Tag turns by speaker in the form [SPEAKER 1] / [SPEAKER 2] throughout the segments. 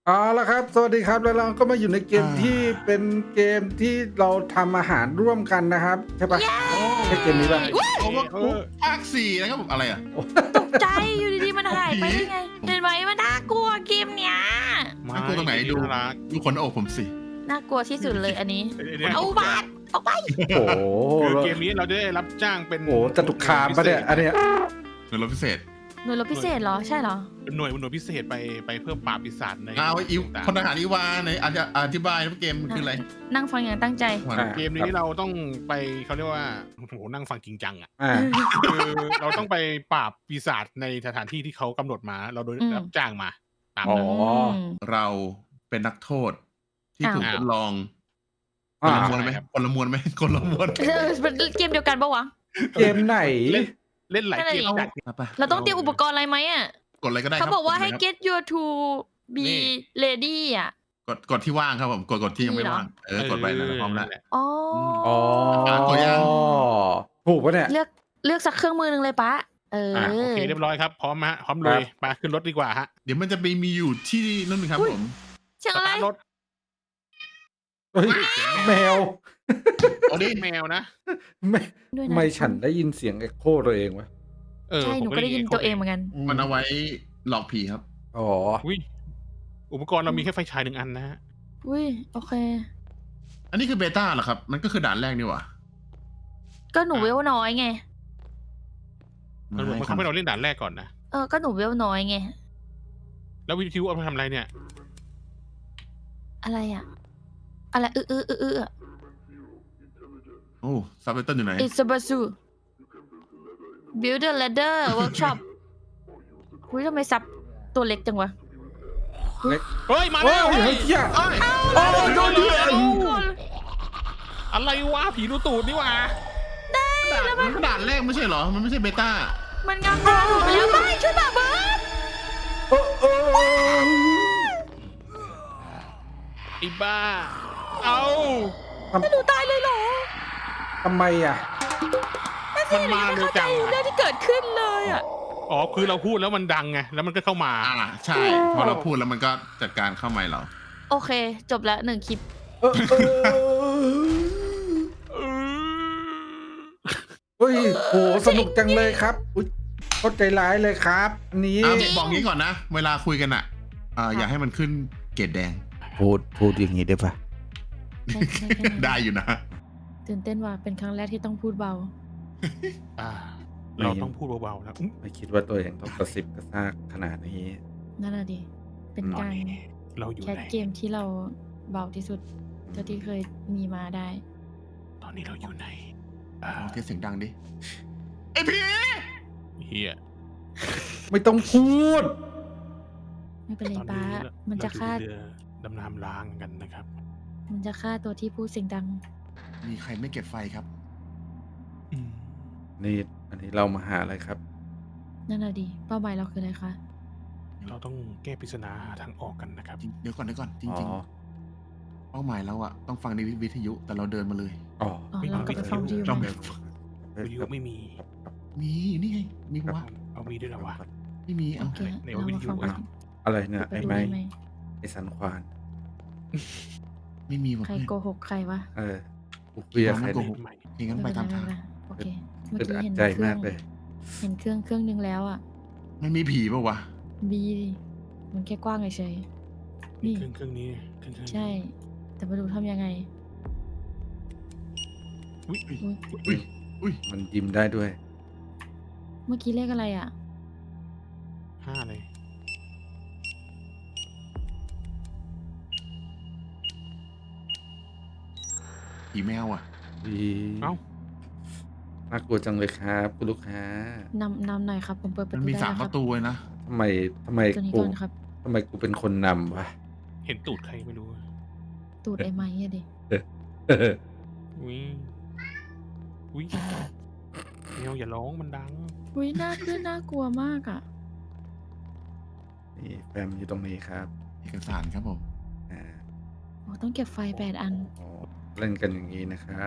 [SPEAKER 1] เอาละครับสวัสดีครับแล้วเราก็มาอยู่ในเกมที่เป็นเกมที่เราทำอาหารร่วมกันนะครับใช่ปะใช่เกมนี้ปะ
[SPEAKER 2] โอเวอร์คุกภาค 4นะครับผมอะไรอ่ะ
[SPEAKER 3] ตกใจอยู่ดีๆมันหายไปได้ไงเห็นไหมมันน่ากลัวเกมเนี้ย
[SPEAKER 2] น่ากลัวตรงไหนดูดูขนอกผมสิ
[SPEAKER 3] น่ากลัวที่สุดเลยอันนี้
[SPEAKER 4] เนี่ย
[SPEAKER 3] เอาบาดออกไป
[SPEAKER 1] โอ้โห
[SPEAKER 4] คือเกมนี้เราจะได้รับจ้างเป็น
[SPEAKER 1] โอ้โหจตุคามปะเนี่ยอันเนี้ย
[SPEAKER 2] หน่วยรบพิเศษ
[SPEAKER 3] หน่วยรบพิเศษเหรอใช่เหรอ
[SPEAKER 4] เป็นหน่วยพิเศษไปเพื่อปราบปีศาจใน
[SPEAKER 2] เอาอิว
[SPEAKER 4] ต่าง
[SPEAKER 2] พลทหารอีวาในอธิบายว่าเกมมันคืออะไร
[SPEAKER 3] นั่งฟังอย่างตั้งใจ
[SPEAKER 4] เกมนี้เราต้องไปเขาเรียกว่าโอ้โหนั่งฟังจริงจังอ่ะ
[SPEAKER 1] อ่า
[SPEAKER 4] คือเราต้องไปปราบปีศาจในสถานที่ที่เขากำหนดมา เราโดยรับจ้างมาตาม
[SPEAKER 1] อ๋อ
[SPEAKER 4] นั้น
[SPEAKER 2] เราเป็นนักโทษที่ถูก
[SPEAKER 4] อ้าว
[SPEAKER 2] ทดลองค
[SPEAKER 1] อ่าน
[SPEAKER 2] ละมวลไหมคนละมวลไหมคนละมวล
[SPEAKER 3] เป็นเกมเดียวกันปะวะ
[SPEAKER 1] เกมไหน
[SPEAKER 4] เล่นหลายเกม
[SPEAKER 3] นั่นแหละ
[SPEAKER 4] จัด
[SPEAKER 2] ไป
[SPEAKER 3] เราต้องเตรียมอุปกรณ์อะไรไหมอ่ะ
[SPEAKER 2] กดอะไรก็ได้ค
[SPEAKER 3] เขา
[SPEAKER 2] รับ
[SPEAKER 3] บอกว่าให้
[SPEAKER 2] ดเลยครับ
[SPEAKER 3] get your to be
[SPEAKER 4] นี่
[SPEAKER 3] ready อ่ะ
[SPEAKER 2] กดที่ว่างครับผมกดที่ยังไม่ว่างกดไปนะพร้อมแล้ว
[SPEAKER 3] อ๋อ
[SPEAKER 1] อ๋อ
[SPEAKER 2] ตัวอย่าง
[SPEAKER 1] ถูกปะเนี่ย
[SPEAKER 3] เลือกสักเครื่องมือหนึ่งเลยปะเออ
[SPEAKER 4] โอเคเรียบร้อยครับพร้อมฮะพร้อมเลยมาขึ้นรถดีกว่าฮะ
[SPEAKER 2] เดี๋ยวมันจะมีอยู่ที่นั่นครับผม
[SPEAKER 3] เชียงอะไร
[SPEAKER 4] สตาร์ทรถ
[SPEAKER 1] เฮ้ยแมว
[SPEAKER 2] เอาดิ
[SPEAKER 4] แมวนะ
[SPEAKER 1] ไม่
[SPEAKER 3] ด้วย
[SPEAKER 1] ทำ
[SPEAKER 3] นะ
[SPEAKER 1] ไมฉันได้ยินเสียงเอ็กโคตัวเองวะ
[SPEAKER 3] ใช่หนูก็ได้ยินตัวเองเหมือนกัน
[SPEAKER 2] มันเอาไว้หลอกผีครับ
[SPEAKER 1] อ๋อ
[SPEAKER 4] อุ้ยอุปกรณ์เรามีแค่ไฟฉาย1 อันนะฮะ
[SPEAKER 3] อุ้ยโอเค
[SPEAKER 2] อันนี้คือเบต้าเหรอครับมันก็คือด่านแรกนี่หว่า
[SPEAKER 3] ก็หนูเวลน้อยไง
[SPEAKER 4] มันบอกว่าเขาให้เราเล่นด่านแรกก่อนนะ
[SPEAKER 3] ก็หนูเวลน้อยไง
[SPEAKER 4] แล้ววิทยุเอาไปทำอะไรเนี่ย
[SPEAKER 3] อะไรอ่ะ อะไรอะ
[SPEAKER 2] โอ้ซับไตเติลอยู่ไหน
[SPEAKER 3] It's a basu Build a ladder workshop อุ้ยทำไมซับตัวเล็กจังวะ
[SPEAKER 4] เฮ้ยมา
[SPEAKER 1] โอ้
[SPEAKER 4] แล้ว
[SPEAKER 1] ยเฮ้ยเหี้ย
[SPEAKER 2] เอ้ย
[SPEAKER 1] โอ้ยโดนเดือด
[SPEAKER 4] อะไรวะผีดูตูดนี่หว่า
[SPEAKER 2] ด่านแรกไม่ใช่เหรอ มันไม่ใช่เบต้า
[SPEAKER 3] มันงามตาหนูไปแล้วไม่ช่วยแบบเบิร์ด
[SPEAKER 1] โอ้โอ้
[SPEAKER 4] ไอ้บ้า เอา
[SPEAKER 3] หนูตายเลยเหรอ
[SPEAKER 1] ทำไมอ่ะ
[SPEAKER 4] มันมาเร็ว
[SPEAKER 3] เข้าใจ
[SPEAKER 4] จัง
[SPEAKER 3] เรื่องที่เกิดขึ้นเลยอ่ะ
[SPEAKER 4] อ๋อคือเราพูดแล้วมันดังไงแล้วมันก็เข้ามา
[SPEAKER 2] ใช่ พอเราพูดแล้วมันก็จัดการเข้าไมค์เรา
[SPEAKER 3] โอเค จบแล้ว1 คลิป
[SPEAKER 1] เฮ้ยโหสนุกจังเลยครับอุ๊ยเข้าใจร้ายเลยครับอันนี้
[SPEAKER 2] บอกงี้ก่อนนะ เวลาคุยกันอย่าให้มันขึ้นเกรดแดง
[SPEAKER 1] พูดอย่างนี้ได้ปะ
[SPEAKER 2] ได้อยู่นะ
[SPEAKER 3] ตื่นเต้นว่ะเป็นครั้งแรกที่ต้องพูดเบา
[SPEAKER 4] อ่า เราต้องพูดเบาๆนะอุ๊ย
[SPEAKER 1] ไม่คิดว่าตัวเองต้องกระซิบกระซากขนาดนี้
[SPEAKER 3] นั่นน่ะดิ เป็นการ
[SPEAKER 4] เราอยู่
[SPEAKER 3] แคส
[SPEAKER 4] ไหน
[SPEAKER 3] เกมที่เราเบาที่สุดเท่าที่เคยมีมาได้
[SPEAKER 4] ตอนนี้เราอยู่ไหน
[SPEAKER 2] เอาเทียบเสียงดังดิ ไอพี่
[SPEAKER 4] เฮีย
[SPEAKER 1] ไม่ต้องพูด
[SPEAKER 3] ไม่เป็นไร
[SPEAKER 4] ตอน
[SPEAKER 3] ป้า
[SPEAKER 4] นี้
[SPEAKER 3] มันจะฆ่า
[SPEAKER 4] เรือดำน้ำล้างกันนะครับ
[SPEAKER 3] มันจะฆ่าตัวที่พูดเสียงดัง
[SPEAKER 2] มีใครไม่เก็บไฟครับ
[SPEAKER 4] อืม
[SPEAKER 1] นี่อันนี้เรามาหาอะไรครับ
[SPEAKER 3] นั่นน่ะดิเป้าหมายเราคืออะไรคะ
[SPEAKER 4] เราต้องแก้ปริศนาหาทางออกกันนะครับ
[SPEAKER 2] เดี๋ยวก่อนจ
[SPEAKER 1] อ๋อ
[SPEAKER 2] ริงๆ เป้าหมายเราต้องฟังในวิทยุแต่เราเดินมาเลย
[SPEAKER 1] อ๋อ
[SPEAKER 3] อ๋อ
[SPEAKER 4] ไม่
[SPEAKER 3] เรากลับไปฟังวิทยุ
[SPEAKER 2] เรา
[SPEAKER 3] ไหม
[SPEAKER 2] แบบ
[SPEAKER 4] วิทยุไม่มี
[SPEAKER 2] มีนี่ไง มีวะ
[SPEAKER 4] เอามีด้วยเหรอวะ
[SPEAKER 2] ไม่มี
[SPEAKER 3] โอ
[SPEAKER 2] เอา
[SPEAKER 3] เค
[SPEAKER 4] ใน
[SPEAKER 3] เรา
[SPEAKER 4] วิท
[SPEAKER 3] มา
[SPEAKER 4] ยุ
[SPEAKER 3] ฟัง
[SPEAKER 4] อะ
[SPEAKER 1] อะไรเนี่ย
[SPEAKER 3] ไป
[SPEAKER 1] ไอ้
[SPEAKER 3] ดู
[SPEAKER 1] ไม้
[SPEAKER 3] ได้ไหม
[SPEAKER 1] ไอ้สันควาน
[SPEAKER 2] ไม่มีวะ
[SPEAKER 3] ใคร
[SPEAKER 2] เพื่อน
[SPEAKER 3] โกหกใครวะ
[SPEAKER 1] กูเกลียดใคร
[SPEAKER 2] โก
[SPEAKER 1] เนี่ย
[SPEAKER 2] หก อย่างนั้นไปตามทาง
[SPEAKER 3] โอเคเมื่อ
[SPEAKER 1] อึด
[SPEAKER 3] กี้
[SPEAKER 1] อัด
[SPEAKER 3] เห็น
[SPEAKER 1] ใจ
[SPEAKER 3] เครื่
[SPEAKER 1] มา
[SPEAKER 3] อก ง
[SPEAKER 1] เลย
[SPEAKER 3] เห็นเครื่องนึงแล้วอ่ะ
[SPEAKER 2] มันมีผีป่าวะ
[SPEAKER 3] บีดิมันแค่กว้างเฉยๆ
[SPEAKER 4] นี่
[SPEAKER 3] นี่
[SPEAKER 4] เครื่องนี้เครื่องนี้
[SPEAKER 3] ใช่ แต่ไม่รู้ทำยังไง
[SPEAKER 4] อุ้ย
[SPEAKER 3] อุ๊ย
[SPEAKER 2] อุ้ย
[SPEAKER 1] มันยิ้มได้ด้วย
[SPEAKER 3] เมื่อกี้เลขอะไรอ่ะ
[SPEAKER 4] 5เลย
[SPEAKER 2] ผีแมวอ่ะ
[SPEAKER 4] เอ้า
[SPEAKER 1] น่ากลัวจังเลยครับคุณลูกค้าน
[SPEAKER 3] ำหน่อยครับ ผมเปิดประ
[SPEAKER 2] มัน
[SPEAKER 3] ตู
[SPEAKER 2] มี
[SPEAKER 3] ได้
[SPEAKER 2] 3
[SPEAKER 3] แล้ว
[SPEAKER 2] ป
[SPEAKER 3] ครับ
[SPEAKER 2] ระตูเลยนะ
[SPEAKER 1] ทำไม
[SPEAKER 3] ตัวนี้
[SPEAKER 1] กู
[SPEAKER 3] ก่อนครับ
[SPEAKER 1] ทำไมกูเป็นคนนำวะ
[SPEAKER 4] เห็นตูดใครไม่รู้
[SPEAKER 3] ตูดไอ้ไม้อะดิ
[SPEAKER 4] อุ้ยอุ้ยแมวอย่าร้องมันดัง
[SPEAKER 3] อุ้ยน่ากลัวมากอ่ะ
[SPEAKER 1] นี่แฟมอยู่ตรงนี้ครับ
[SPEAKER 2] เอกสารครับผม
[SPEAKER 1] อ่า
[SPEAKER 3] โอ้ต้องเก็บไฟ8 อัน
[SPEAKER 1] อ๋อเล่นกันอย่างนี้นะครับ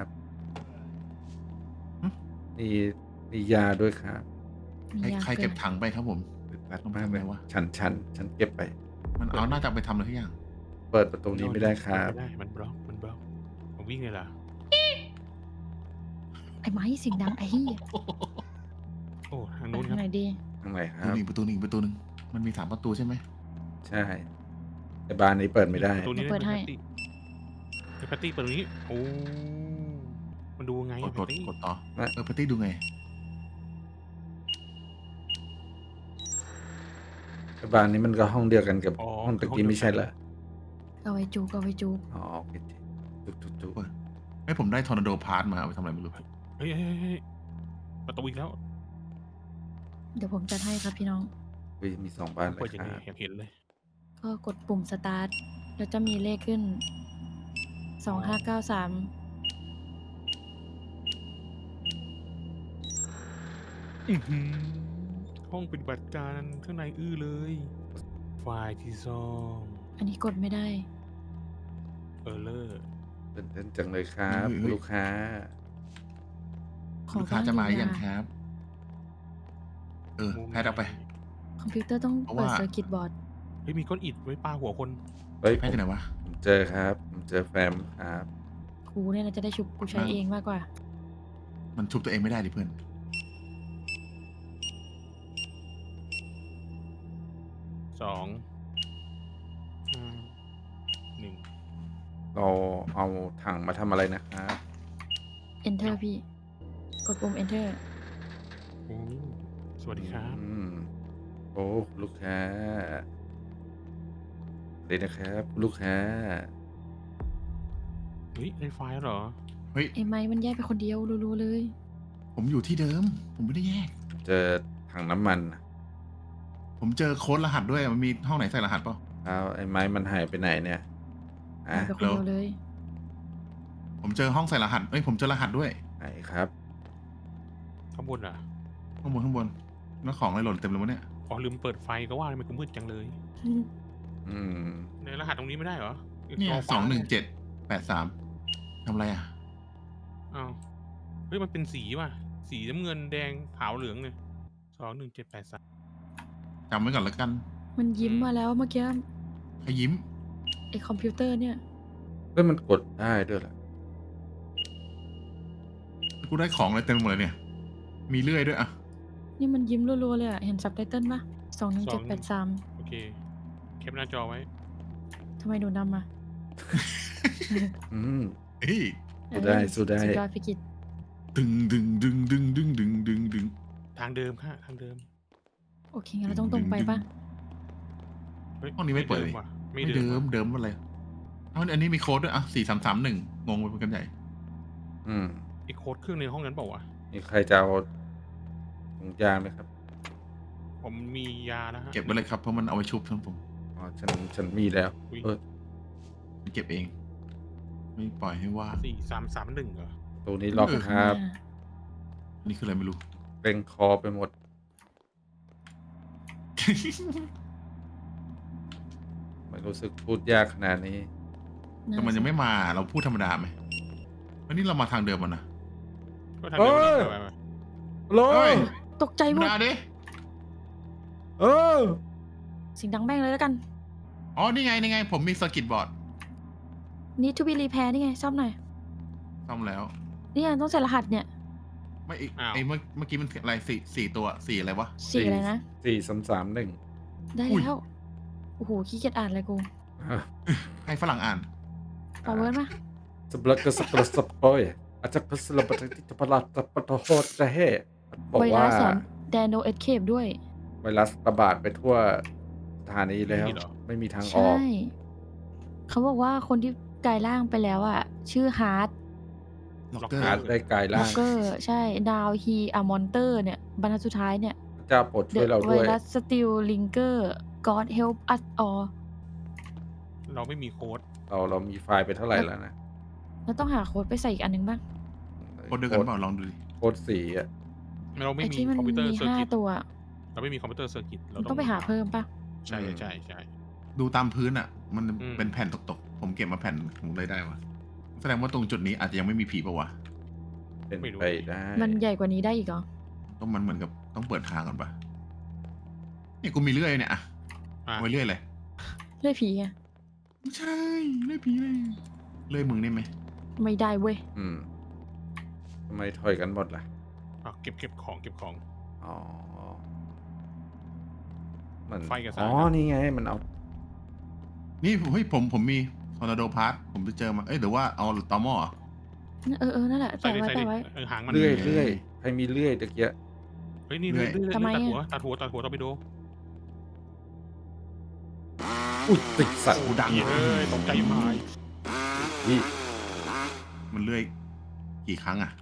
[SPEAKER 1] นี่ยาด้วยครับ
[SPEAKER 3] มียา
[SPEAKER 2] ใครเก็บถังไปครับผม
[SPEAKER 1] อึดอัดมากเลยวะฉันเก็บไป
[SPEAKER 2] มันเอาน่าจะไปทำอะไรทุกอย่าง
[SPEAKER 1] เปิดประตูนี้ไม่ได้ครับ
[SPEAKER 4] ไม่ได้มันบล็อกมันวิ่งเลยล่ะ
[SPEAKER 3] ไอ้ไม้เสียงดังไอ้เหี้ย
[SPEAKER 4] โอ้ทาง
[SPEAKER 3] ไป
[SPEAKER 4] นู้นค
[SPEAKER 3] ทา
[SPEAKER 4] รั
[SPEAKER 3] ง
[SPEAKER 4] บ
[SPEAKER 3] ไหนดี
[SPEAKER 1] ทางไหนค
[SPEAKER 2] ประตู
[SPEAKER 1] รับ
[SPEAKER 2] หนึ่งประตูหนึ่งมันมี3 ประตูใช่ไหม
[SPEAKER 1] ใช่แต่บานนี้เปิดไม่ได้
[SPEAKER 4] ตัวนี้
[SPEAKER 3] เปิดให้
[SPEAKER 4] แพตตี้เปิดตรงนี้โอ้มันดูไง
[SPEAKER 2] ก
[SPEAKER 4] อะ
[SPEAKER 2] ด
[SPEAKER 4] แพตตี้
[SPEAKER 2] กดต่อ
[SPEAKER 1] นะ
[SPEAKER 2] ปาร์ตี้ดูไง
[SPEAKER 1] แต่บานนี้มันก็ห้องเดียวกันกับ
[SPEAKER 4] อ๋อ
[SPEAKER 1] ห้องตะกี้ไม่ใช่เหรอ
[SPEAKER 3] เอาไว้จูเอาไว้จู
[SPEAKER 1] อ๋อโอเคจุก
[SPEAKER 2] ให้ผมได้ทอร์นาโดพาร์ทมาเอาไปทำอะไรไม่รู้
[SPEAKER 4] เฮ้ยประตูอีกแล้ว
[SPEAKER 3] เดี๋ยวผมจัดให้ครับพี่น้อง
[SPEAKER 1] วิมี2บานเล
[SPEAKER 4] เปิด
[SPEAKER 1] ย
[SPEAKER 4] ยัง
[SPEAKER 1] ค
[SPEAKER 4] ไง
[SPEAKER 1] รับ
[SPEAKER 4] อยากเห็นเลย
[SPEAKER 3] ก็กดปุ่มสตาร์ทแล้วจะมีเลขขึ้น 2593
[SPEAKER 4] ห้องปฏิบัติการข้างในอื้อเลย ไฟล์ที่ซ่อม
[SPEAKER 3] อันนี้กดไม่ได้
[SPEAKER 4] เลอร์
[SPEAKER 1] เป็นเต้นจังเลยครับลูกค้า
[SPEAKER 3] ขอ
[SPEAKER 2] ลูกค้าจะมาหรือยัง
[SPEAKER 3] บ้าง
[SPEAKER 2] ครับ แพทย์เอาไป
[SPEAKER 3] คอมพิวเตอร์ต้อง
[SPEAKER 2] เพราะ
[SPEAKER 3] เปิด
[SPEAKER 2] ว่า
[SPEAKER 3] เซอร์กิตบอร์ด
[SPEAKER 4] เฮ้ยมีก้อนอิฐไว้ปาหัวคน
[SPEAKER 1] เฮ้ย
[SPEAKER 2] แพทย์ที่ไหนวะ
[SPEAKER 1] ผมเจอครับ ผมเจอแฟมครับ
[SPEAKER 3] กูเนี่ยนะจะได้ชุบกูใช้เองมากกว่า
[SPEAKER 2] มันชุบตัวเองไม่ได้ดิเพื่อน
[SPEAKER 4] 2 5 1
[SPEAKER 1] เราเอาถังมาทำอะไรนะครับ
[SPEAKER 3] Enter พี่ กดปุ่ม Enter
[SPEAKER 4] โอ้สวัสดีครับ
[SPEAKER 1] โอ้ลูกค้าเลยนะครับ ลูกค้า
[SPEAKER 4] เฮ้ยได้ไฟล์แล้วเหรอ
[SPEAKER 2] เฮ้ย
[SPEAKER 3] ไอ้ไม้มันแยกไปคนเดียวรู้ๆเลย
[SPEAKER 2] ผมอยู่ที่เดิม ผมไม่ได้แยก
[SPEAKER 1] เจอถังน้ำมัน
[SPEAKER 2] ผมเจอโค้ดรหัสด้วย มันมีห้องไหนใส่รหัสเปล่า
[SPEAKER 1] แล้วไอ้ไม้มันหายไปไหนเนี่ย
[SPEAKER 3] หายไปคนเดียวเลย
[SPEAKER 2] ผมเจอห้องใส่รหัส ผมเจอรหัสด้วย
[SPEAKER 1] ไหนครับ
[SPEAKER 4] ข้างบนอ่ะ
[SPEAKER 2] ข้างบน แล้วของอะไรหล่นเต็มเลยวะเนี่ย
[SPEAKER 4] อ๋อลืมเปิดไฟก็ว่าทำไมกูมืดจังเลย
[SPEAKER 1] อืม
[SPEAKER 4] ในรหัสตรงนี้ไม่ได้เหรอ
[SPEAKER 2] เนี่ย
[SPEAKER 4] กรฟ้า
[SPEAKER 2] 21783ทำอะไรอ่ะ
[SPEAKER 4] อ้าวเฮ้ยมันเป็นสีว่ะ สีน้ำเงินแดงขาวเหลืองเลย21783
[SPEAKER 2] จำไว้ก่อนแล้วกัน
[SPEAKER 3] มันยิ้มมาแล้วเมื่อกี้
[SPEAKER 2] ใครยิ้ม
[SPEAKER 3] ไอ้คอมพิวเตอร์เนี่ย
[SPEAKER 1] เฮ้ยมันกดได้ด้วยเหรอ
[SPEAKER 2] กูได้ของอะไรเต็มไปหมดเลยเนี่ย มีเลื่อยด้วยอ่ะ
[SPEAKER 3] นี่มันยิ้มรัวๆเลยอะเห็นซับไตเติ้ลปะ21783
[SPEAKER 4] โอเคแคปหน้าจอไว้
[SPEAKER 3] ทำไมหนูนำอ่ะ
[SPEAKER 1] อืม
[SPEAKER 2] เฮ้ย
[SPEAKER 1] สู้ได้สู้ได้
[SPEAKER 3] สุดยอดฟิกิต
[SPEAKER 2] ดึง
[SPEAKER 4] ทางเดิมค่ะทางเดิม
[SPEAKER 3] โอเคงั้นเราต้องตรงไปปะ
[SPEAKER 4] เฮ้ย
[SPEAKER 2] ห้องนี้ไม่เปิดเลย
[SPEAKER 4] ว่ะ
[SPEAKER 2] ไม่
[SPEAKER 4] ไม่
[SPEAKER 2] เดิ
[SPEAKER 4] เดิ
[SPEAKER 2] ม
[SPEAKER 4] ม
[SPEAKER 2] เดิมอะไรอันนี้มีโค้ดด้วยอ่ะ4331งงไปเป็นกันใหญ่
[SPEAKER 1] อืม
[SPEAKER 4] ไอโค้ดเครื่องในห้องนั้นเปล่าวะ
[SPEAKER 1] มีใครจะเอาถุงยางไหมครับ
[SPEAKER 4] ผมมียาแล้วฮะ
[SPEAKER 2] เก็บไว้เลยครับเพราะมันเอาไว้ชุบทั้งผม
[SPEAKER 1] อ๋อฉันมีแล้ว
[SPEAKER 4] อุ๊ย
[SPEAKER 1] เออ
[SPEAKER 2] เก็บเอง ไม่ปล่อยให้ว่า
[SPEAKER 4] 4331เหรอ
[SPEAKER 1] ตัวนี้ล็อกครับ
[SPEAKER 2] อันนี้คืออะไรไม่รู้
[SPEAKER 1] เกรงคอไปหมด ไม่รู้สึกพูดยากขนาดนี้
[SPEAKER 2] แต่มันยังไม่มาเราพูดธรรมดาไหมวันนี้เรามาทางเดิมมันนะ
[SPEAKER 4] ก็ทางเดิม
[SPEAKER 1] เอ้ย
[SPEAKER 4] ไป
[SPEAKER 1] โล
[SPEAKER 2] เฮ้ย
[SPEAKER 3] ตกใจ
[SPEAKER 2] ธร
[SPEAKER 3] ห
[SPEAKER 2] ร
[SPEAKER 3] ม
[SPEAKER 2] ม
[SPEAKER 3] ด
[SPEAKER 2] ดาดิ
[SPEAKER 1] เออ
[SPEAKER 3] เสียงดังแม่งเลยแล้วกัน
[SPEAKER 2] อ๋อนี่ไงผมมีสกิตบอร์ด
[SPEAKER 3] Need to be repair นี่ไงซ่อมหน่อย
[SPEAKER 2] ซ่อมแล้ว
[SPEAKER 3] นี่ไงต้องใส่รหัสเนี่ย
[SPEAKER 2] ไม่อีกเมื่อกี้มันอะไรสี่ตัวสี่อะไรวะ
[SPEAKER 3] สีอะไรนะ
[SPEAKER 1] 4331
[SPEAKER 3] ได้
[SPEAKER 2] อุ้ย
[SPEAKER 3] แล้ว โอ้โหขี้เกียจอ่านเลยกู
[SPEAKER 2] ให้ฝรั่งอ่าน
[SPEAKER 3] เอาเวิร์ดมา
[SPEAKER 1] สบลักกสปรสปอยอาจจะพัสลปฏิทิพลัดตปะโหดจะเฮบอก
[SPEAKER 3] ไวรั
[SPEAKER 1] ว่า
[SPEAKER 3] สสอนแดนโนเอสเคปด้วย
[SPEAKER 1] ไวรัสระบาดไปทั่วสถานีแล้ว ไม่มีทางออ
[SPEAKER 3] ใช่
[SPEAKER 1] ก
[SPEAKER 3] เขาบอกว่าคนที่กลายร่างไปแล้วอ่ะ ชื่อฮาร์ด
[SPEAKER 2] ล็อกเกอ
[SPEAKER 1] หา
[SPEAKER 2] ร์
[SPEAKER 1] ได้กลาย
[SPEAKER 3] ล็
[SPEAKER 1] ร่า
[SPEAKER 3] อก
[SPEAKER 1] ง
[SPEAKER 3] เกอร์ใช่ดาวฮีอะมอนเตอร์เนี่ยบรรทัดสุดท้ายเนี่ย
[SPEAKER 1] พระเจ้าโปรดช่วยเรา
[SPEAKER 3] ไว
[SPEAKER 1] ด้วย
[SPEAKER 3] รัสสติลลิงเกอร์ God help us all
[SPEAKER 4] เราไม่มีโค้ด
[SPEAKER 1] เรามีไฟล์ไปเท่าไหร่แล้วนะ
[SPEAKER 3] แล้วต้องหาโค้ดไปใส่อีกอันหนึ่งบ้าง
[SPEAKER 2] โค้ดเดียวกันเปล่าลองดูดิ
[SPEAKER 1] โค้ดสีอ่ะ
[SPEAKER 4] เราไม่
[SPEAKER 3] ไอ้
[SPEAKER 4] มี
[SPEAKER 3] ที่มัน
[SPEAKER 4] คอมพิวเตอร์
[SPEAKER 3] มี
[SPEAKER 4] เซอร์กิต
[SPEAKER 3] 5 ตัว
[SPEAKER 4] เราไม่มีคอมพิวเตอร์เซอร์กิตเรา
[SPEAKER 3] ต้องไปหาเพิ่มปะ
[SPEAKER 4] ใช่ใช่ใช่
[SPEAKER 2] ดูตามพื้นอ่ะ มัน
[SPEAKER 4] อืม
[SPEAKER 2] เป็นแผ่นตกๆ ผมเก็บมาแผ่นผมเลยได้วะแสดงว่าตรงจุดนี้อาจจะยังไม่มีผีปะวะ
[SPEAKER 1] เป็นไปได้
[SPEAKER 3] มันใหญ่กว่านี้ได้อีกเหรอ
[SPEAKER 2] ก็มันเหมือนกับต้องเปิดทางก่อนปะเนี่ยกูมีเลื่อยเนี่ยอะ
[SPEAKER 4] อ่ะ
[SPEAKER 2] ไว้เลื่อยเลย
[SPEAKER 3] เลื่อยผีไง
[SPEAKER 2] ไม่ใช่เลื่อยผีเลยเลื่อยมึงได้ไหม
[SPEAKER 3] ไม่ได้เว้ย
[SPEAKER 1] ทำไมถอยกันหมดล่ะ
[SPEAKER 4] เก็บของ
[SPEAKER 1] อ๋อมัน
[SPEAKER 4] ไฟกับสาย
[SPEAKER 1] อ๋อ นี่ไง มันเอา
[SPEAKER 2] นี่เฮ้ยผมมีทอร์นาโดพาร์ทผมไปเจอมาเอ้ยหรือว่าเอาตอหม้อเหรอ
[SPEAKER 3] นั่นแหละ
[SPEAKER 4] ใส่
[SPEAKER 3] แปะ
[SPEAKER 4] ดิ
[SPEAKER 3] ไว้
[SPEAKER 4] ใส่ดิ
[SPEAKER 3] แปะไว้
[SPEAKER 4] หางมัน
[SPEAKER 1] เลื่อย
[SPEAKER 2] เลื่อย
[SPEAKER 1] ใครมีเลื่อยตะเกียะ
[SPEAKER 4] เฮ้ยนี่
[SPEAKER 2] เลื่
[SPEAKER 4] เลื่
[SPEAKER 2] อ
[SPEAKER 4] อย ย
[SPEAKER 3] ทำไมอะ
[SPEAKER 4] ตัดหัวต้องไปดู
[SPEAKER 1] อุ้ยติดสัตว์
[SPEAKER 2] โอ้ดัง
[SPEAKER 4] เฮ้ยตกใจมาก
[SPEAKER 1] นี่
[SPEAKER 2] มันเลื่อยกี่ครั้งอ่ะ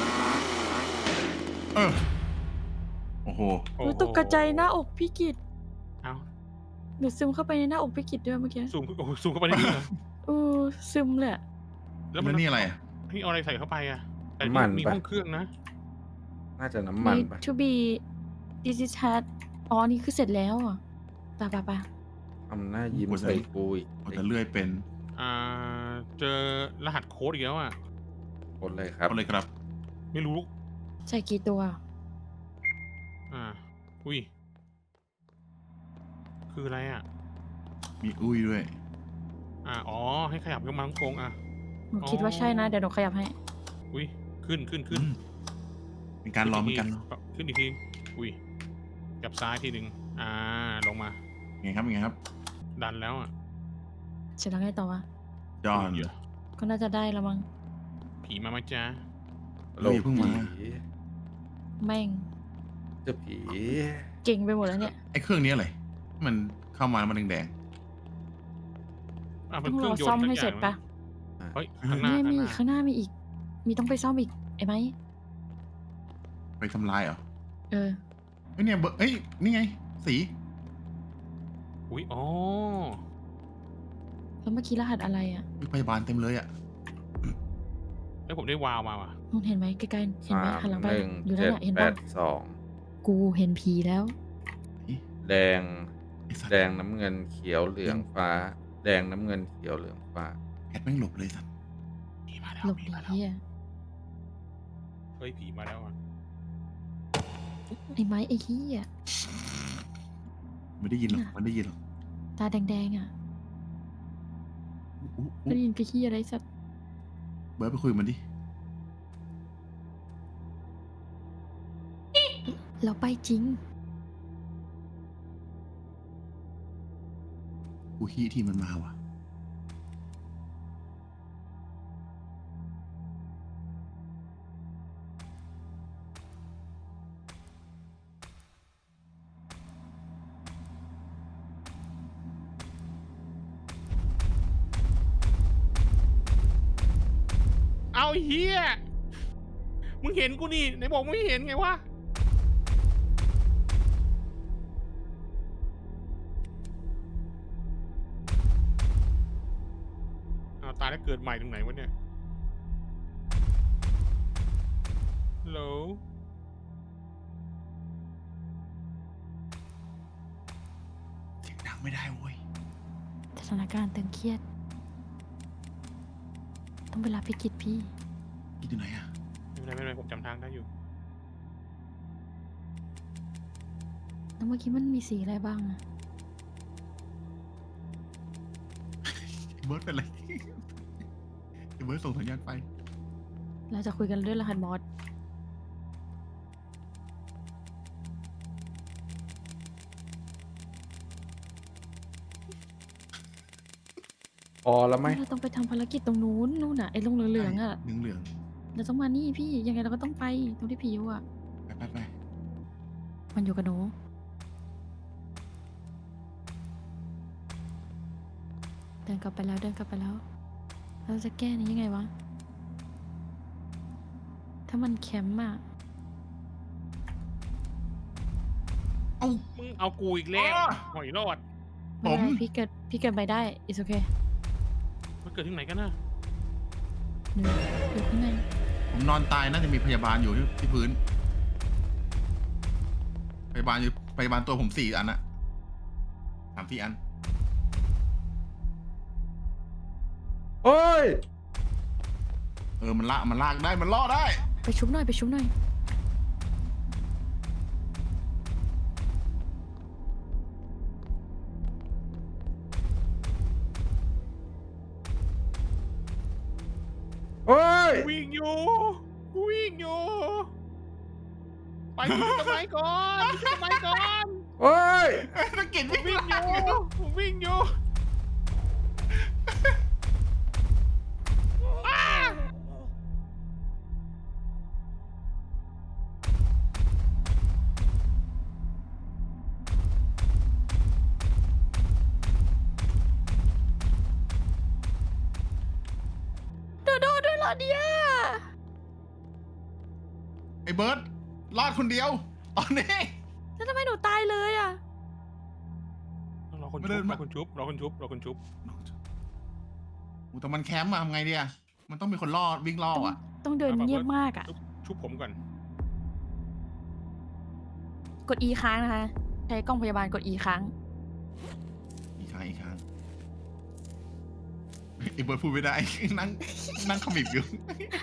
[SPEAKER 2] โอ้โห
[SPEAKER 3] โอ้ยตกกระจายหน้าอกพี่กิต
[SPEAKER 4] เอ้า
[SPEAKER 3] เดี๋ยวซึมเข้าไปในหน้าอกพี่กิตด้วยเมื่อกี้
[SPEAKER 4] ซูมเข้าไปได้ด้วยเหรอ
[SPEAKER 3] ซึมเลยอะ
[SPEAKER 2] แล้วนี่อะไรอ่ะ
[SPEAKER 4] นี่เอาอะไรใส่เข้าไปอะแต่
[SPEAKER 1] น้ำมัน
[SPEAKER 4] มี
[SPEAKER 1] ปะ
[SPEAKER 4] ห้องเครื่องนะ
[SPEAKER 1] น่าจะน้ำมัน
[SPEAKER 3] Need
[SPEAKER 1] ปะ
[SPEAKER 3] to be this is had อ๋อ นี่คือเสร็จแล้วอ่ะไป
[SPEAKER 1] ทำหน้ายิ้มใส่กูอีก
[SPEAKER 2] เอาแต่เลื่อยเป็น
[SPEAKER 4] เจอรหัสโค้ดอีกแล้วอ่ะ
[SPEAKER 1] คนเลยครับ
[SPEAKER 2] เอาเลยครับ
[SPEAKER 4] ไม่รู้
[SPEAKER 3] ใส่กี่ตัว
[SPEAKER 4] อุ้ย คืออะไรอ่ะ
[SPEAKER 2] มีอุ้ยด้วย
[SPEAKER 4] อ๋อ ให้ขยับขึ้นมาทั้งกรงอ่ะ
[SPEAKER 3] หนูคิดว่าใช่นะ เดี๋ยวหนูขยับให้
[SPEAKER 4] อุ้ย ขึ้น
[SPEAKER 2] เป็นการรอเหมือนกันเนอะ
[SPEAKER 4] ขึ้นอีกที อุ้ย จับซ้ายทีหนึ่งลงมา
[SPEAKER 2] ไงครับไงครับ
[SPEAKER 4] ดันแล้วอ่ะ
[SPEAKER 3] เสร็จแล้วไงต่อวะ
[SPEAKER 2] จอห์น
[SPEAKER 4] เดี๋ยว
[SPEAKER 3] ก็น่าจะได้แล้วมั้ง
[SPEAKER 4] ผีมาไหมจ๊ะ
[SPEAKER 2] เฮ้ยเพิ่งมา
[SPEAKER 1] ผี
[SPEAKER 3] แม่ง
[SPEAKER 1] เจะผี
[SPEAKER 3] เก่งไปหมดแล้วเนี่ย
[SPEAKER 2] ไอ้เครื่องนี้อะไรมันเข้ามามันแดง
[SPEAKER 4] เป็
[SPEAKER 3] ต้
[SPEAKER 4] น
[SPEAKER 3] อง
[SPEAKER 4] เค
[SPEAKER 3] ร
[SPEAKER 4] รื่
[SPEAKER 3] อ
[SPEAKER 4] องยนต์
[SPEAKER 3] ซ่อมให้เสร็จปะ
[SPEAKER 4] เฮ้ย ข้างหน้า
[SPEAKER 3] เนี่ยมี
[SPEAKER 4] ข้างหน้า
[SPEAKER 3] ข้างหน้ามีอีก มีต้องไปซ่อมอีกไอ้ไหม
[SPEAKER 2] ๆไปทำลายเหรอ
[SPEAKER 3] เออ
[SPEAKER 2] เอ้ยเนี่ยเบอร์เอ้ยนี่ไง สี
[SPEAKER 4] อุ้ย อ๋อ
[SPEAKER 3] แล้วเมื่อกี้รหัสอะไรอ่ะ
[SPEAKER 2] พยาบาลเต็มเลยอ่ะ
[SPEAKER 4] แล้วผมได้วาวมาว่ะ
[SPEAKER 3] มึงเห็นไหมใกล้ๆเห็นไหมหันหลังไป
[SPEAKER 1] 3
[SPEAKER 3] อยู่นั่น
[SPEAKER 1] 1
[SPEAKER 3] น่ะเห็น
[SPEAKER 1] 7
[SPEAKER 3] ปะ
[SPEAKER 1] 8
[SPEAKER 3] กูเห็นผีแล้ว
[SPEAKER 1] 2 แดง
[SPEAKER 2] ไอ้สัตว์
[SPEAKER 1] แดงน้ำเงินเขียวเหลืองฟ้า แดงน้ำเงินเขียวเหลืองฟ้า
[SPEAKER 2] แพทแม่งหลบเลยสัตว์
[SPEAKER 4] ผีมาแล้ว
[SPEAKER 3] หลบ
[SPEAKER 4] ผี
[SPEAKER 3] หนี
[SPEAKER 4] มาแล้ว
[SPEAKER 3] เฮีย
[SPEAKER 4] เฮ้ย ผีมาแล้วอ่ะ
[SPEAKER 3] ไอ้ไม้ไอ้เฮีย
[SPEAKER 2] ไม่ได้ยินหรอกมันได้ยินหรอก
[SPEAKER 3] ตาแดงๆอ่ะ
[SPEAKER 2] อุ๊
[SPEAKER 3] ได้ยินกระเฮียอะไรสัตว์
[SPEAKER 2] เบิร์ดไปคุยกับมันดิ
[SPEAKER 3] เราไปจริง
[SPEAKER 2] กูฮีที่มันมาว่ะ
[SPEAKER 4] เอาเฮียมึงเห็นกูนี่ไหนบอกไม่เห็นไงวะ ตายแล้วเกิดใหม่ตรงไหนวะเนี่ยฮัลโหล
[SPEAKER 2] เสียงดังไม่ได้เว้ย
[SPEAKER 3] สถานการณ์ตึงเครียด ต้องไปรับพิกิจพี่
[SPEAKER 2] คิดอยู่ไหนอ่ะ
[SPEAKER 4] ไม่เป็นไรผมจำทางได้อยู่
[SPEAKER 3] แล้วเมื่อกี้มันมีสีอะไรบ้างอะ
[SPEAKER 2] เบิร์ดเป็นไร เบิร์ดส่งสัญญาณไป
[SPEAKER 3] เราจะคุยกันด้วยรหัสมอส
[SPEAKER 1] พอแล้วไหม
[SPEAKER 3] เราต้องไปทำภารกิจตรงนู้นนู่นน่ะไอ้ลงเหลืองๆอ่ะ
[SPEAKER 2] เหลือง
[SPEAKER 3] เราต้องมานี่พี่ยังไงเราก็ต้องไปตรงที่ผีอยู่อ่ะ
[SPEAKER 2] ๆไป
[SPEAKER 3] มันอยู่กับหนูเดินกลับไปแล้วเราจะแก้นี้ยังไงวะ ถ้ามันแคมป์อ่ะ
[SPEAKER 2] เอ้า
[SPEAKER 4] มึงเอากูอีกแล้ว
[SPEAKER 2] อ๋อ
[SPEAKER 4] หอยรอด
[SPEAKER 2] ผม
[SPEAKER 3] ไเป็นไรพี่เกิดไปได้ it's okay
[SPEAKER 4] มันเกิดที่ไหนกันนะ
[SPEAKER 3] หนูอยู่ข้างใน
[SPEAKER 2] ผมนอนตายน่าจะมีพยาบาลอยู่ที่พื้น พยาบาลตัวผม4 อันอะ3-4 อัน
[SPEAKER 1] โอ้ย
[SPEAKER 2] มันลากได้มันล่อได้
[SPEAKER 3] ไปชุบหน่อย
[SPEAKER 1] โอ้ย
[SPEAKER 4] วิ่งอยู่ไปที่ต้นไม้ก่อนต้นไม้ก่อน
[SPEAKER 1] โอ้ย
[SPEAKER 2] ตะกิด
[SPEAKER 4] ผมวิ่งอยู่อ้า
[SPEAKER 3] โดโดด้วยเหรอเนี่ย
[SPEAKER 2] ไอ้เบิร์ดรอดคนเดียวตอนนี้
[SPEAKER 3] แล้วทำไมหนูตายเลยอ่ะ
[SPEAKER 4] รอคน
[SPEAKER 2] ไม่เดิ
[SPEAKER 4] ชุบ
[SPEAKER 2] น
[SPEAKER 4] ร
[SPEAKER 2] มา
[SPEAKER 4] อคนชุบรอคนชุบรอคนชุบ
[SPEAKER 2] อูแต่มันแคมป์มาทำไงเดียมันต้องมีคนล่อวิ่งล่ออ่ะ
[SPEAKER 3] ต้องเดินเงียบมากอ่ะ
[SPEAKER 4] ชุบผมก่อน
[SPEAKER 3] กด E ค้างนะคะ ใช้กล้องพยาบาลกด E ค้าง
[SPEAKER 2] อีกครั้งไอ้เบิร์ดพูดไม่ได้ นั่งขมิบอยู่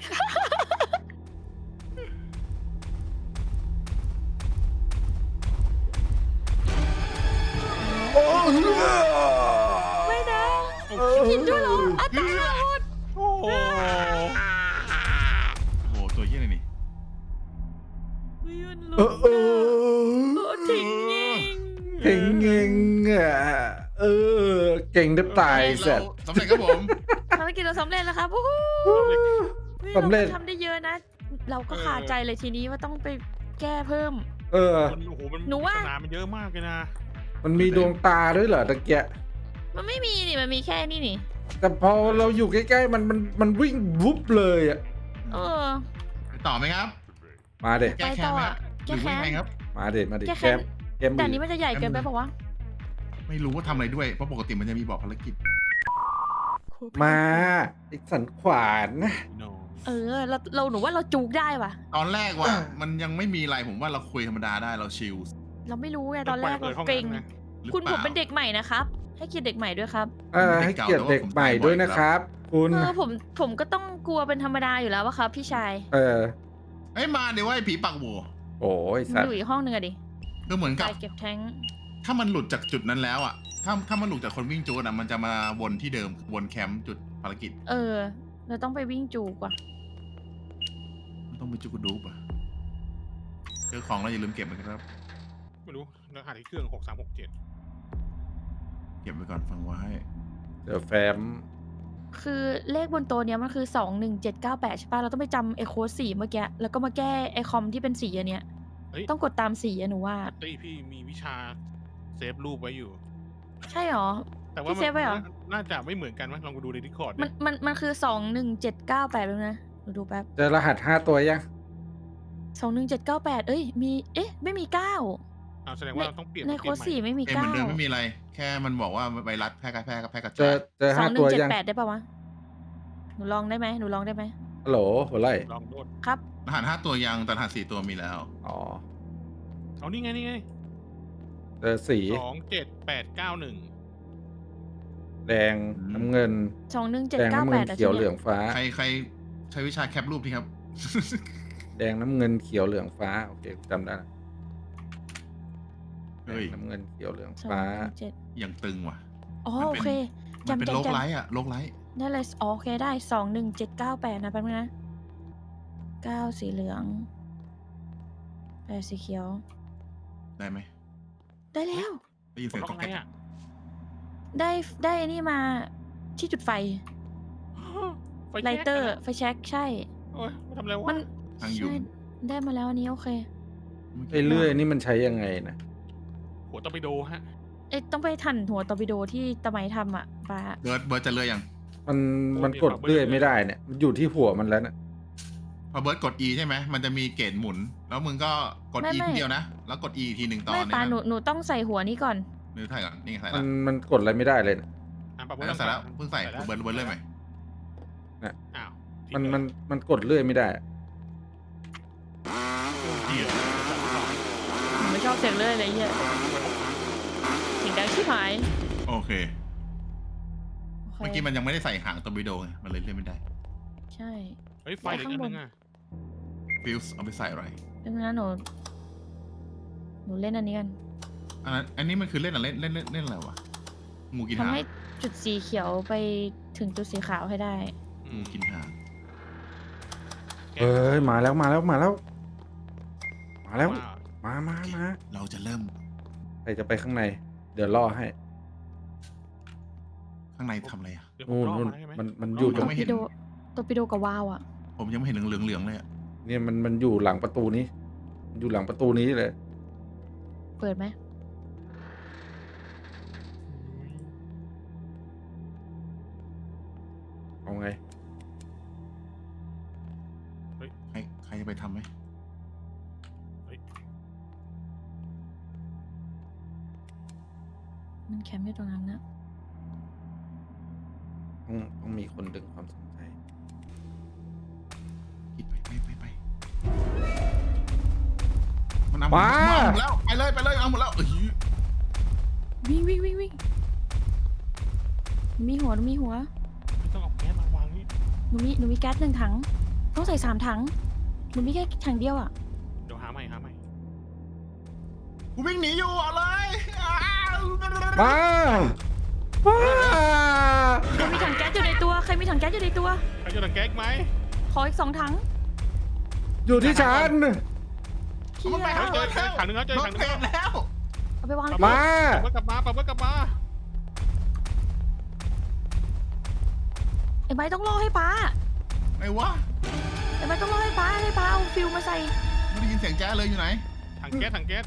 [SPEAKER 1] โอ้ย
[SPEAKER 3] ไม่นะกินด้วยเหรออ่ะตายแล้ว
[SPEAKER 4] โอ้โห
[SPEAKER 2] โอ้โหตัวเยี่ยอะไรนี่
[SPEAKER 3] ยืน
[SPEAKER 1] เอ
[SPEAKER 3] ลุ้
[SPEAKER 1] อเออ
[SPEAKER 3] โอ้ทิ้งยิง
[SPEAKER 1] เก่งเก่งอ่ะเก่งได้ตายเสร็จ
[SPEAKER 2] สำเร็จครับผม
[SPEAKER 3] ภารกิจเราสำเร็จแล้วครับวู้ฮู้ฮ้ย
[SPEAKER 1] สำเร็จ
[SPEAKER 3] าทำได้เยอะนะ เราก็ขาดใจเลยทีนี้ว่าต้องไปแก้เพิ่ม
[SPEAKER 1] เออ
[SPEAKER 4] มันโอ้โหมัน
[SPEAKER 3] หนูว่า
[SPEAKER 4] ปริศมันเยอะมากเลยนะ
[SPEAKER 1] มันมีดวงตาด้วยเหรอตะเกียะ
[SPEAKER 3] มันไม่มีนี่ มันมีแค่นี่นี่
[SPEAKER 1] แต่พอเราอยู่ใกล้ๆมันวิ่งวุบเลยอ่ะ
[SPEAKER 3] เออ
[SPEAKER 2] ไปต่อไหมครับ
[SPEAKER 1] มาเด็
[SPEAKER 2] แก้แค้นไหมครับห
[SPEAKER 3] แก้
[SPEAKER 2] รือ
[SPEAKER 3] แค้
[SPEAKER 2] ว่าน ไงครับ
[SPEAKER 1] มาเด็มาเด็
[SPEAKER 3] แก้
[SPEAKER 1] แค
[SPEAKER 3] แค้น
[SPEAKER 1] มแคม
[SPEAKER 3] แต่อันนี้มันจะใหญ่เกินไปปะวะ
[SPEAKER 2] ไม่รู้ว่าทำอะไรด้วย เพราะปกติมันจะมีบอกภารกิจ
[SPEAKER 1] มาอีกสันขวานนะ
[SPEAKER 4] โน
[SPEAKER 3] เออ เราหนูว่าเราจูกได้ว่ะ
[SPEAKER 2] ตอนแรกว่ะมันยังไม่มีอะไรผมว่าเราคุยธรรมดาได้เราชิล
[SPEAKER 3] เราไม่รู้ไงตอนแรก
[SPEAKER 4] ปิด
[SPEAKER 3] เรา
[SPEAKER 4] ห้อง
[SPEAKER 3] เกรง
[SPEAKER 4] นั้นนะ
[SPEAKER 2] หรือ
[SPEAKER 3] คุณ
[SPEAKER 2] ป
[SPEAKER 3] ผ
[SPEAKER 2] ล่า
[SPEAKER 3] มเป็นเด็กใหม่นะครับ ให้เกียรติเด็กใหม่ด้วยครับ
[SPEAKER 1] ให้เกียรติเด็กใหม่ด้วยนะครับ คุณ
[SPEAKER 3] เออผมก็ต้องกลัวเป็นธรรมดาอยู่แล้ววะครับพี่ชาย
[SPEAKER 1] เออ
[SPEAKER 2] เอ้ยมาเดี๋ยวว่าไอ้ผีปากโหว
[SPEAKER 1] โอ้ยสัต
[SPEAKER 3] อ
[SPEAKER 1] ว์
[SPEAKER 3] ยู่อีกห้องหนึ่งอะดิ
[SPEAKER 2] คือเหมือน
[SPEAKER 3] ไป
[SPEAKER 2] กับ
[SPEAKER 3] เก็บแท้ง
[SPEAKER 2] ถ้ามันหลุดจากจุดนั้นแล้วอ่ะถ้ามันหลุดจากคนวิ่งจูดอ่ะมันจะมาวนที่เดิมวนแคมป์จุดภารกิจ
[SPEAKER 3] เออ เราต้องไปวิ่งจูกว่ะ
[SPEAKER 2] มันต้องไปจูกดูปอ่ะเจอของแล้วอย่าลืมเก็บมันครับ
[SPEAKER 4] ไม่รู้รหัสที่เครื่อง6367
[SPEAKER 2] เก็บไว้ก่อนฟังไว้
[SPEAKER 1] เดี๋ยวแฟม
[SPEAKER 3] คือเลขบนโต๊ะเนี้ยมันคือ21798ใช่ป่ะเราต้องไปจำไอ้โค้ดสีเมื่อกี้แล้วก็มาแก้ไอ้คอมที่เป็นสีอันเนี้ย
[SPEAKER 4] เฮ้ย
[SPEAKER 3] ต้องกดตามสีอะหนูว่า
[SPEAKER 4] ตี้พี่มีวิชาเซฟรูปไว้อยู่
[SPEAKER 3] ใช่หรอ
[SPEAKER 4] แต่ว่า
[SPEAKER 3] พี่เซฟไว้เหรอ
[SPEAKER 4] น่าจะไม่เหมือนกันมั้ยลองดูในดิสคอร์ด
[SPEAKER 3] มันคือ21798แล้วนะหนูดูแป๊บ
[SPEAKER 1] เจอรหัส5 ตัวยัง
[SPEAKER 3] 21798เอ้ยมีไม่มี9
[SPEAKER 4] แสดงว่าเราต้องเปลี่ยน
[SPEAKER 3] ในโค้ดสีไม่มี
[SPEAKER 2] เกมเหมือนเดิม
[SPEAKER 3] 9
[SPEAKER 2] ไม่มีอะไร แค่มันบอกว่าไวรัสแพร่กระ
[SPEAKER 1] เจ
[SPEAKER 2] จา
[SPEAKER 1] อย เจอ5 ตัวยัง
[SPEAKER 3] 2178ได้ป่าวะหนูลองได้ไหม
[SPEAKER 1] ฮัลโหลหัวไหล่
[SPEAKER 4] ลองโดด
[SPEAKER 3] ครับ
[SPEAKER 2] รหัส5 ตัวยังแต่รหัส4 ตัวมีแล้ว
[SPEAKER 1] อ๋อ
[SPEAKER 4] เอานี่ไง
[SPEAKER 1] เจอสี
[SPEAKER 4] 27891
[SPEAKER 1] แดงน้ำเงินแดงน้ำเงิน
[SPEAKER 3] 21798
[SPEAKER 1] เขียวเหลืองฟ้า
[SPEAKER 2] ใครใช้วิชาแคปรูปที่ครับ
[SPEAKER 1] แดงน้ำเงินเขียวเหลืองฟ้าโอเคจำได้ละแด
[SPEAKER 2] เฮ้ย
[SPEAKER 1] งน้ำเงินเขียวเหลืองฟ้า
[SPEAKER 3] 217
[SPEAKER 2] ยังตึงว่ะ
[SPEAKER 3] อ๋อ
[SPEAKER 2] มัน
[SPEAKER 3] โอ
[SPEAKER 2] เป็น
[SPEAKER 3] เค
[SPEAKER 2] มันเป็น
[SPEAKER 3] จำ
[SPEAKER 2] โรคไลท์อะโรคไลท์
[SPEAKER 3] ได้เลยอ๋อโอเคได้21798นะแป๊บนึงนะ9สีเหลือง8สีเขียว
[SPEAKER 2] ได้ไหม
[SPEAKER 3] ได้แล้ว
[SPEAKER 2] ได้ยิน
[SPEAKER 4] ก
[SPEAKER 2] เสี
[SPEAKER 4] ด
[SPEAKER 2] ยง
[SPEAKER 4] ล็
[SPEAKER 2] ก๊
[SPEAKER 4] อ
[SPEAKER 2] อก ก
[SPEAKER 4] ไหน
[SPEAKER 2] แก๊ก
[SPEAKER 4] อ่ะ
[SPEAKER 3] ได้อันนี้มาที่จุดไฟ
[SPEAKER 4] ไฟ
[SPEAKER 3] ไล
[SPEAKER 4] แช็ก
[SPEAKER 3] เตอร์
[SPEAKER 4] นะ
[SPEAKER 3] ไฟแช็กใช่
[SPEAKER 4] โอ้ยมาทำอะไรวะ
[SPEAKER 3] มัน
[SPEAKER 2] ทางยุง
[SPEAKER 3] ใช่ได้มาแล้วอันนี้โอเค
[SPEAKER 1] ไอ้เลื่อยนี่มันใช้ยังไงนะ
[SPEAKER 4] หัวตอร์ปิโดฮะ
[SPEAKER 3] ต้องไปทันหัวตอร์ปิโดที่ตะไมทำอ่ะปา
[SPEAKER 2] เบิร์ดจะเลื่อยยัง
[SPEAKER 1] มันกดเลื่อยไม่ได้เนี่ยมันอยู่ที่หัวมันแล้วนะ
[SPEAKER 2] พอเบิร์ดกด E ใช่ไหมมันจะมีเกจหมุน แล้วมึงก็กด E ทีเดียวนะ แล้วกด E ทีหนึ่งต่อ
[SPEAKER 3] ไม่
[SPEAKER 2] เนี่ย
[SPEAKER 3] ปา
[SPEAKER 2] นะ
[SPEAKER 3] หนูต้องใส่หัวนี้ก่อน
[SPEAKER 2] หรือถ่ายก่อนนี่ไงใส่
[SPEAKER 1] มั
[SPEAKER 2] แล้ว
[SPEAKER 1] มันกดอะไรไม่ได้เลยนะ
[SPEAKER 4] ปรับ
[SPEAKER 2] แล้วใส่แล้วเพิ่งใส่
[SPEAKER 4] แล้ว
[SPEAKER 2] เบิร์ดเลื่อยใหม่
[SPEAKER 4] อ้าว
[SPEAKER 1] มันกดเลื่อยไม่ได้อะ
[SPEAKER 2] เหี้ย
[SPEAKER 3] หนูไม่ชอบเสียงเลยอะไรเงี้ยเสียงดังชิบหาย
[SPEAKER 2] โอเค
[SPEAKER 3] โอ
[SPEAKER 2] เมื่อ
[SPEAKER 3] เค
[SPEAKER 2] กี้มันยังไม่ได้ใส่หางตอร์ปิโดไงมันเลยเลื่อนไม่ได้
[SPEAKER 3] ใช่
[SPEAKER 4] เฮ้ยไฟเหลืออีกอันนึงอ่ะ
[SPEAKER 2] ฟิลส์เอาไปใส่อะไร
[SPEAKER 3] ดังนั้นหนูเล่นอันนี้กัน
[SPEAKER 2] อันนี้มันคือเล่นอะไรเล่นอะไรวะงูกินหาง
[SPEAKER 3] ทำให้จุดสีเขียวไปถึงจุดสีขาวให้ได้
[SPEAKER 2] งูกินหาง
[SPEAKER 1] เฮ้ยมาแล้ว
[SPEAKER 4] ว้าว
[SPEAKER 1] มา
[SPEAKER 2] เราจะเริ่ม
[SPEAKER 1] ใครจะไปข้างใน เดี๋ยวล่อให้
[SPEAKER 2] ข้างในทำอะไรอ่ะ
[SPEAKER 4] เดี๋ยวผมรอ
[SPEAKER 1] นู่น
[SPEAKER 4] มาได้ไหม
[SPEAKER 1] มันอยู่ตรง
[SPEAKER 2] ไม่เห็น
[SPEAKER 3] ตัวปิโดกับวาวอ่ะ
[SPEAKER 2] ผมยังไม่เห็นเหลืองๆเลยอ่ะ
[SPEAKER 1] เนี่ยมันอยู่หลังประตูนี้ อยู่หลังประตูนี้เลย
[SPEAKER 3] เปิดไหม
[SPEAKER 1] เอาไง
[SPEAKER 2] ใครจะไปทำไหม
[SPEAKER 3] มันแคมป์อยู่ตรงนั้นนะ
[SPEAKER 1] ต้องมีคนดึงความสนใจ
[SPEAKER 2] คิดไปมันเอา
[SPEAKER 1] มา
[SPEAKER 2] หมดแล้วไปเลยเอาหมดแล้วเอ้ย
[SPEAKER 3] วิ่งมีหัว
[SPEAKER 4] ไม่ต้องเอาแก๊สมาวางนี่
[SPEAKER 3] หนูมีแก๊ส1 ถัง ต้องใส่3 ถัง หนูมีแค่ถังเดียวอ่ะ
[SPEAKER 4] เดี๋ยวหาใหม่
[SPEAKER 2] กูวิ่งหนีอยู่เอาเลยอ้าว
[SPEAKER 1] มา
[SPEAKER 3] ใครมีถังแก๊สอยู่ในตัว ใครมีถังแก๊สอยู่ในตัว
[SPEAKER 4] ใครจะดังแก๊สไหม
[SPEAKER 3] ขออีก2 ถัง
[SPEAKER 1] อยู่ที่ฉัน
[SPEAKER 3] เชี่ย
[SPEAKER 2] มันไป
[SPEAKER 4] เฮ้
[SPEAKER 2] หาย
[SPEAKER 4] เจอถังนึงแล้วเจอ
[SPEAKER 2] ร
[SPEAKER 4] ถั
[SPEAKER 2] ถ
[SPEAKER 4] งนึง
[SPEAKER 2] เต็มแล้ว
[SPEAKER 3] เอาไปวางเลย
[SPEAKER 1] มา
[SPEAKER 4] กลับมา
[SPEAKER 3] ไอ้ไม้ต้องล่อให้ป้า
[SPEAKER 2] ไหนวะ
[SPEAKER 3] ไอ้ไม้ต้องล่อให้ป้าเอาฟิวมาใส่
[SPEAKER 2] ไม่ได้ยินเสียงแจ๊สเลยอยู่ไหน
[SPEAKER 4] ถังแก๊ส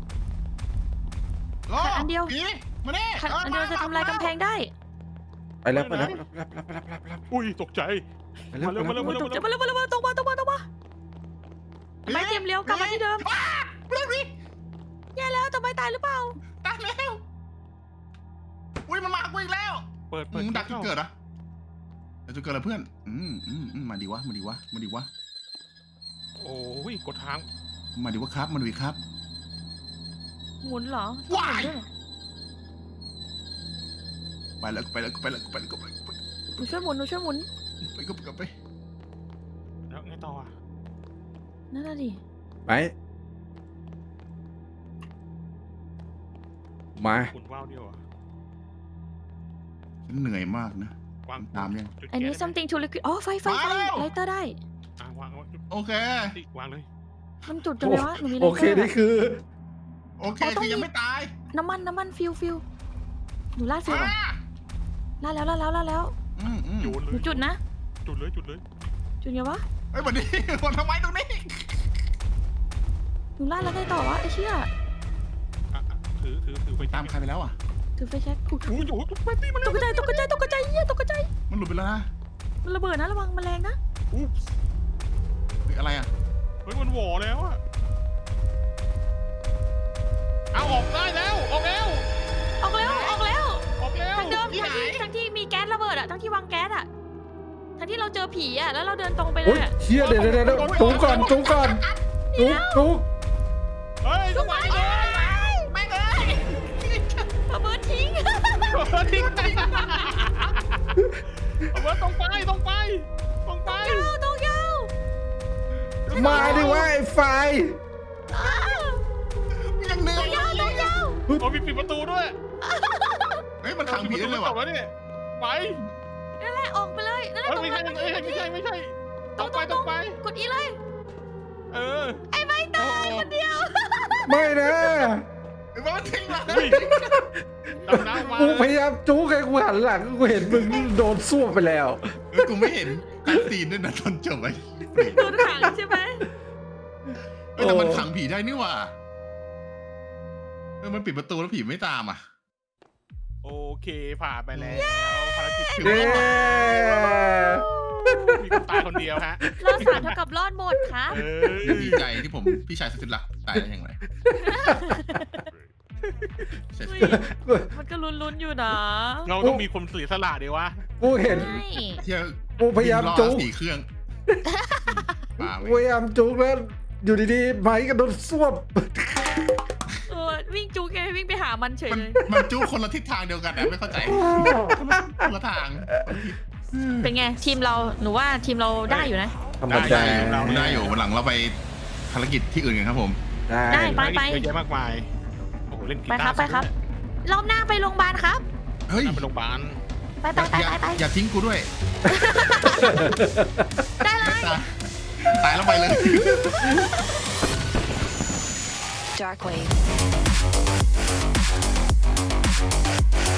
[SPEAKER 2] รอ
[SPEAKER 3] อันเดียว
[SPEAKER 2] ผีมาเนี่ย
[SPEAKER 3] อันเดียวจะทำลายกำแพงได้
[SPEAKER 1] ไปแล้ว
[SPEAKER 4] อุ้ยตกใจ
[SPEAKER 1] ไปแล้ว
[SPEAKER 4] มาเร็ว
[SPEAKER 3] ตกใจมาเลยตรงมาไอ้ไม้เตรียมเลี้ยวกลับมาที่เดิม
[SPEAKER 2] เร็วดิ
[SPEAKER 3] แย่แล้วแต่ไม้ตายหรือเปล่า
[SPEAKER 2] ตายแล้วอุ้ยมันมากูอีกแล้ว
[SPEAKER 4] เปิด
[SPEAKER 2] มึงดักจุดเกิดเหรอดักจุดเกิดเหรอเพื่อนมาดีวะ
[SPEAKER 4] โอ้ยกดทาง
[SPEAKER 2] มาดีวะครับมาดีครับ
[SPEAKER 3] หมุนเหรอ
[SPEAKER 2] ว้าย
[SPEAKER 3] หมุนด้วยเหรอ
[SPEAKER 2] ไปแล้ว
[SPEAKER 3] หนูช่วยหมุน
[SPEAKER 2] ไป
[SPEAKER 4] แล้วไงต่ออ่ะ
[SPEAKER 3] นั่นน่ะดิ
[SPEAKER 1] ไปมา
[SPEAKER 4] หมุนว่าวเดียวอ่ะ
[SPEAKER 2] ฉันเหนื่อยมากนะ
[SPEAKER 4] วาง
[SPEAKER 2] ตามยัง
[SPEAKER 3] อันนี้ something to liquid อ๋อไฟ
[SPEAKER 2] มาแล้ว
[SPEAKER 3] ไลเตอร์ได้
[SPEAKER 4] วางจุด
[SPEAKER 2] โอเค
[SPEAKER 4] วางเลย
[SPEAKER 3] มันจุดจังเลยวะหนูมีไล
[SPEAKER 1] โอ
[SPEAKER 3] เต
[SPEAKER 1] เค
[SPEAKER 3] อร์
[SPEAKER 1] นี่คือ
[SPEAKER 2] โอเคคือยังไม่ตาย
[SPEAKER 3] น้ำมันฟิวหนูลาดฟิวก่อน
[SPEAKER 2] อ่ะ
[SPEAKER 3] ลาดแล้ว
[SPEAKER 4] โยน
[SPEAKER 3] ห
[SPEAKER 4] เล
[SPEAKER 3] นู
[SPEAKER 4] ย
[SPEAKER 3] จุดนะ
[SPEAKER 4] จุดเลย
[SPEAKER 3] จุดไงวะ
[SPEAKER 2] เฮ้ยวันนี้ คนทำไมตรงนี้
[SPEAKER 3] หนูลาดแล้วไงต่อวะไอ้เชี่ย
[SPEAKER 4] ถือไป
[SPEAKER 2] ตามใครไปแล้วอ่ะ
[SPEAKER 3] ถือไฟแช็กถูก
[SPEAKER 4] โอ้ยไปตีมัน
[SPEAKER 3] ตกใจเหี้ยตกใจ
[SPEAKER 2] มันหลุดไปแล้วนะ
[SPEAKER 3] มันระเบิดนะระวังมันแรงนะ
[SPEAKER 4] อุ๊บ
[SPEAKER 2] เฮ้ยอะไรอ่ะ
[SPEAKER 4] เฮ้ยมันหวอแล้วอ่ะเอาออกได้แล้วออกแล้ว
[SPEAKER 3] ออกแล้ว
[SPEAKER 4] ออกแล้ว
[SPEAKER 3] ทางเดิมทั้งที่มีแก๊สระเบิดอะทั้งที่วางแก๊สอะทั้งที่เราเจอผีอะแล้วเราเดินตรงไปเล
[SPEAKER 1] โอ้ย
[SPEAKER 3] ยอะ
[SPEAKER 1] เชี่ยเดี๋ยวจุกก่อนจุก
[SPEAKER 4] เฮ้ย
[SPEAKER 3] ทุกคน
[SPEAKER 2] ไม่เลย
[SPEAKER 3] ระเบิดทิ้ง
[SPEAKER 4] ทิ้งเอาไว้ตรงไป
[SPEAKER 3] ต้องยาว
[SPEAKER 1] มาดิว่าไอ้ไฟ
[SPEAKER 2] ยังเหนื่อย
[SPEAKER 3] ต้องยาว
[SPEAKER 4] เอาปิดประตูด้วย
[SPEAKER 2] เฮ้ยมันขังผีได้เลยว่ะ
[SPEAKER 4] แล้วเนี่ยไป
[SPEAKER 3] นั่นแหละออกไปเลยนั่นแหละตรง
[SPEAKER 4] ไม่
[SPEAKER 3] นั้น
[SPEAKER 4] ใช่ตรงไป
[SPEAKER 3] กดอีเลย
[SPEAKER 4] เออ
[SPEAKER 3] ไอ้ไม้ตายคนเดียว
[SPEAKER 1] ไม่นะ
[SPEAKER 2] เฮ้ยมันทิ้งเลย
[SPEAKER 4] ดำน้ำมา
[SPEAKER 1] กูพยายามจุกให้กูหันหลังกูเห็นมึงโดนส้วมไปแล้ว
[SPEAKER 2] เฮ้ยกูไม่เห็นการซีนด้วยนะตอนจบไอ้
[SPEAKER 3] โดนขังใช่ไหม
[SPEAKER 2] เฮ้ยแต่มันขังผีได้นี่หว่ามันปิดประตูแล้วผีไม่ตามอ่ะ
[SPEAKER 4] โอเคผ่านไปแล้วภารกิจถึง
[SPEAKER 1] เย้
[SPEAKER 4] มีคนตายคนเดียวฮะ
[SPEAKER 3] รอด3เท่ากับรอดหมดครับ
[SPEAKER 2] ดีใจที่ผมพี่ชายสุดรักตายได้ยังไง
[SPEAKER 3] เฮ้ยมันก็ลุ้นๆอยู่นะ
[SPEAKER 4] เราต้องมีคนเสียสละดีวะ
[SPEAKER 1] กูเห็น
[SPEAKER 3] ใช่
[SPEAKER 2] เที่ยว
[SPEAKER 1] กูพยายามจุก
[SPEAKER 2] 4 เครื่องมา
[SPEAKER 1] พยายามจุกแล้วอยู่ดีๆไม้ก็โดนส้วม
[SPEAKER 3] วิ่งจูแกวิ่งไปหามันเฉยเลย
[SPEAKER 2] มันจู้คนละทิศทางเดียวกันนะไม่เข้าใจคนละทาง
[SPEAKER 3] เป็นไงทีมเราหนูว่าทีมเราได้อยู่นะ
[SPEAKER 1] ธรรมดา
[SPEAKER 2] ได้อยู่วันหลังเราไปภารกิจที่อื่นกันครับผม
[SPEAKER 1] ได้
[SPEAKER 3] ไป
[SPEAKER 4] เยอะแยะมากมายโอ้โหเล่นกี
[SPEAKER 3] ไป
[SPEAKER 4] ตาร์
[SPEAKER 3] ครับรอบหน้าไปโรงพยาบาลครับ
[SPEAKER 2] เฮ้ย
[SPEAKER 4] ไปโรงพยาบาล
[SPEAKER 3] ไป
[SPEAKER 2] อย่าทิ้งกูด้วย
[SPEAKER 3] ได้เลย
[SPEAKER 2] ตายแล้วไปเลย
[SPEAKER 5] Dark wave.